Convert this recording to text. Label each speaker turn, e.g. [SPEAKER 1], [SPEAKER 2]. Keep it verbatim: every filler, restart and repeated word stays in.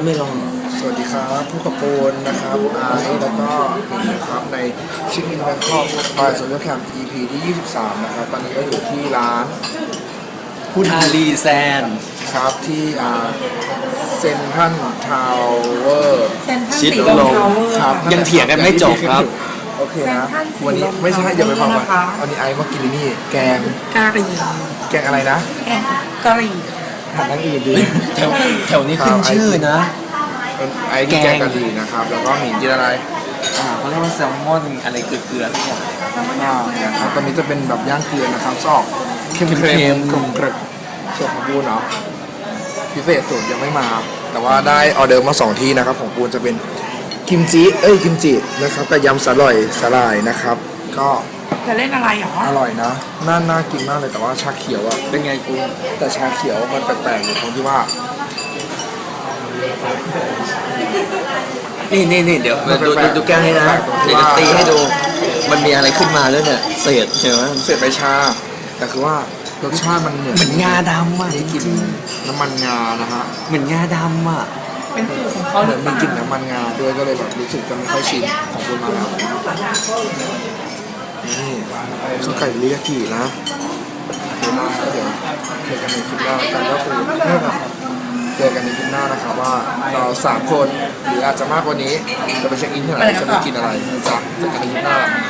[SPEAKER 1] ไม่ลอง
[SPEAKER 2] สวัสดีครับผู้ขับปูนนะครับไอซ์แล้วก็นี่นะครับในชิคอินแบงคอกบายโซเชียลแคมป์ อี พี ที่ยี่สิบสามนะครับตอนนี้ก็อยู่ที่ร้าน
[SPEAKER 1] พุทาลีแซน
[SPEAKER 2] ครับที่อ่าเซนทรัลทาวเวอร์
[SPEAKER 3] เซนทรัล
[SPEAKER 1] ชิด
[SPEAKER 3] สี
[SPEAKER 1] ล
[SPEAKER 3] ล
[SPEAKER 1] ม
[SPEAKER 3] มทาวเวอร์
[SPEAKER 2] ครับ
[SPEAKER 1] ยังเถียงกันไม่จบครับ
[SPEAKER 2] โอเคนะ
[SPEAKER 3] เซ็นทรัลสีลม
[SPEAKER 2] วันนี้ไม่ใช่อย่าไปฟัง
[SPEAKER 3] นะคะ
[SPEAKER 2] วันนี้ไอซ์มากินนี่แกง
[SPEAKER 3] กะหรี่
[SPEAKER 2] แกงอะไรนะ
[SPEAKER 3] แกงกะหรี่
[SPEAKER 2] หันนั่งอื่นดี
[SPEAKER 1] แถวแถวนี้ขึ้นชื่อนะ
[SPEAKER 2] ไอซ์กินแกงกะหรี่นะครับแล้วก็หมี่กินอะไร
[SPEAKER 1] อ่าเขาเรียกว่าแซลมอนอะไรเกลือๆทุกอย่าง
[SPEAKER 2] อ่านะครับตอนนี้จะเป็นแบบย่างเกลือนะครับซอกเค็มๆ
[SPEAKER 1] เค็มๆ
[SPEAKER 2] กรุบกรึบส่วนของปูนเนาะพิเศษสุดยังไม่มา แต่ว่าได้ออเดอร์มาสองที่นะครับของปูนจะเป็นกิมจิเอ้ยกิมจินะครับกับยำสาหร่อยสาหร่ายนะครับ ก็
[SPEAKER 3] จะเล่นอะไรหรอ
[SPEAKER 2] อร่อยนะน่าน่ากินมากเลยแต่ว่าชาเขียวอะ
[SPEAKER 1] เป็นไงกู
[SPEAKER 2] แต่ชาเขียวมันแปลกๆอยู่ตรงที่ว่า
[SPEAKER 1] นี่นี่นี่เดี๋ยว
[SPEAKER 2] มัน
[SPEAKER 1] ดู
[SPEAKER 2] แปล
[SPEAKER 1] ดู
[SPEAKER 2] กๆ
[SPEAKER 1] ดูแก้วให้นะ
[SPEAKER 2] ตรงที่
[SPEAKER 1] เดี๋ยวจะ
[SPEAKER 2] ว่า
[SPEAKER 1] ตีให้ดู มันมีอะไรขึ้นมาด้วยเนี่ยเศษใช่ไหม
[SPEAKER 2] เสร็จใบชา แต่คือว่ารสชาติมันเหมือน
[SPEAKER 1] เหมือนงาดำอ่ะ
[SPEAKER 2] ได้กลิ่นน้ำมันงานะฮะ
[SPEAKER 1] เหมือนงาดำอ่ะ
[SPEAKER 3] เป็นสูตรของเขา
[SPEAKER 2] เห
[SPEAKER 3] ห
[SPEAKER 2] มื
[SPEAKER 3] รือ อน เป
[SPEAKER 2] มี
[SPEAKER 3] ล่าก
[SPEAKER 2] ลิ่นน้ำมันงาด้วยก็เลยแบบรู้สึกจะไม่ค่อยชินของคุณมาแล้วนี่ข้าวไก่เรียกกี่นะเดี๋ยวมาเดี๋ยวเจอกันในคลิปหน้าแล้วกันก็คือเจอกันในคลิปหน้านะครับว่าเราสามคนหรืออาจจะมากกว่านี้จะไปเช็คอินที่ไหนจะไปกินอะไรนะจ๊ะเจอกันในคลิปหน้า